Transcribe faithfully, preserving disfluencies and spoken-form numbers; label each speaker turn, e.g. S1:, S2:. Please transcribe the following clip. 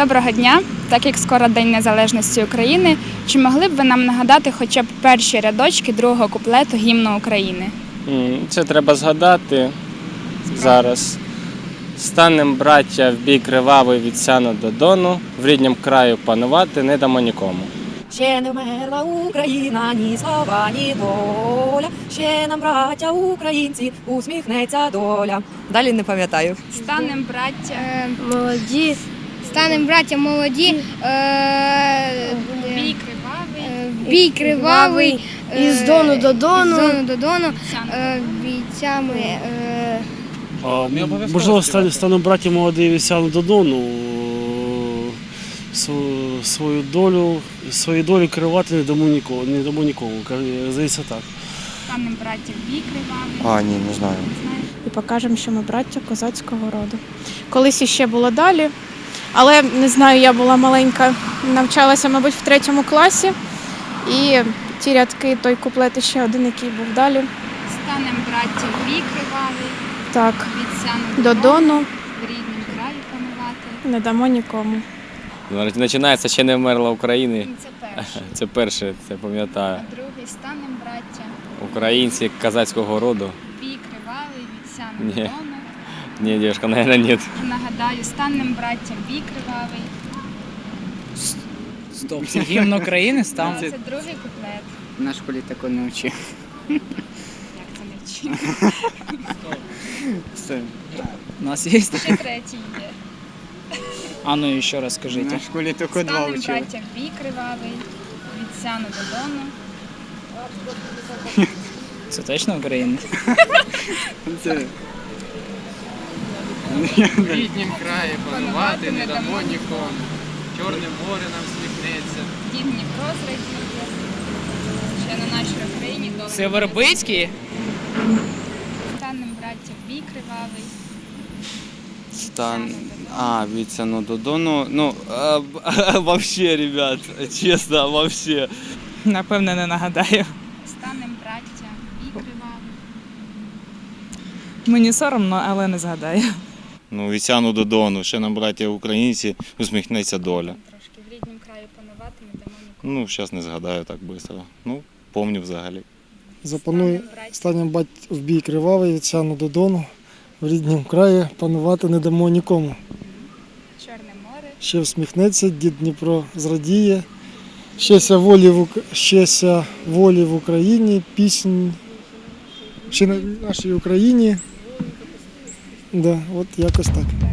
S1: Доброго дня! Так як скоро День Незалежності України, чи могли б ви нам нагадати хоча б перші рядочки другого куплету гімну України?
S2: Це треба згадати зараз. Станем, браття, в бій кривавий від сяну до дону, в ріднім краю панувати не дамо нікому.
S3: Ще не вмерла Україна, ні слава, ні доля. Ще нам, браття українці, усміхнеться доля. Далі не пам'ятаю.
S1: Станем, браття,
S4: Е, молоді, станемо браття молоді, е,
S1: бій кривавий,
S4: е, бій кривавий, е,
S5: Із дону до дону.
S4: із дону до дону,
S1: сяну
S4: е, бійцями, е,
S6: А, можливо, стану, стану браті молодий від сяну до дону, свою, свою долю, свою долю керувати не дамо нікому, не дамо нікому. Здається так.
S1: станем, браття, в бій кривавий.
S7: А, ні, не знаю.
S8: І покажемо, що ми браття козацького роду. Колись іще було далі, але не знаю, я була маленька, навчалася, мабуть, в третьому класі. І ті рядки, той куплет, ще один, який був далі.
S1: Станем, браття, в бій кривавий,
S8: Так,
S1: від сяну
S8: до дону
S1: в ріднім краї панувати.
S8: не дамо нікому.
S2: Починається «Ще не вмерла України».
S1: Це перше.
S2: Це перше, це пам'ятаю.
S1: А другий станем, браття,
S2: Українці козацького роду.
S1: в бій кривавий від сяну до
S2: Ні.
S1: дону.
S2: Ні, дівчинка, мабуть, ні.
S1: Нагадаю, станем, браття, в бій кривавий.
S9: Стоп, це гімн України став?
S1: Це другий куплет.
S9: На школі такого не вчив.
S1: Як це не вчив?
S9: Все. У нас є таке?
S1: Ще третій є.
S9: А ну ще раз скажіть. На школі тільки два
S1: Станем,
S9: вчив.
S1: браття, в бій кривавий, від сяну до дону.
S9: Це точно Україна?
S7: Це...
S10: В ріднім краї панувати не дамо нікому. Чорне море нам сміхнеться.
S1: Дід Дніпро зрадіє. Ще на нашій Україні довго.
S9: Це Вербицький?
S1: Станем, браття, в бій кривавий.
S7: Стан... А, від сяну до дону. Ну, а, а, вообще, ребят, чесно, вообще.
S9: Напевне, не нагадаю.
S1: Станем, браття, в бій кривавий.
S9: Мені соромно, але не згадаю.
S11: Ну, від сяну до дону, ще нам, браття українці, усміхнеться доля.
S1: Трошки в ріднім краю панувати не дамо нікому.
S11: Ну, зараз не згадаю так швидко. Ну, помню взагалі.
S12: Запануй, станем бать в бій кривавий, від сяну до дону, в ріднім краї панувати не дамо нікому.
S1: Чорне море.
S12: Ще всміхнеться, дід Дніпро зрадіє, щеся волі в, Ук- щеся волі в Україні, пісень, ще на нашій Україні. Да, от якось так.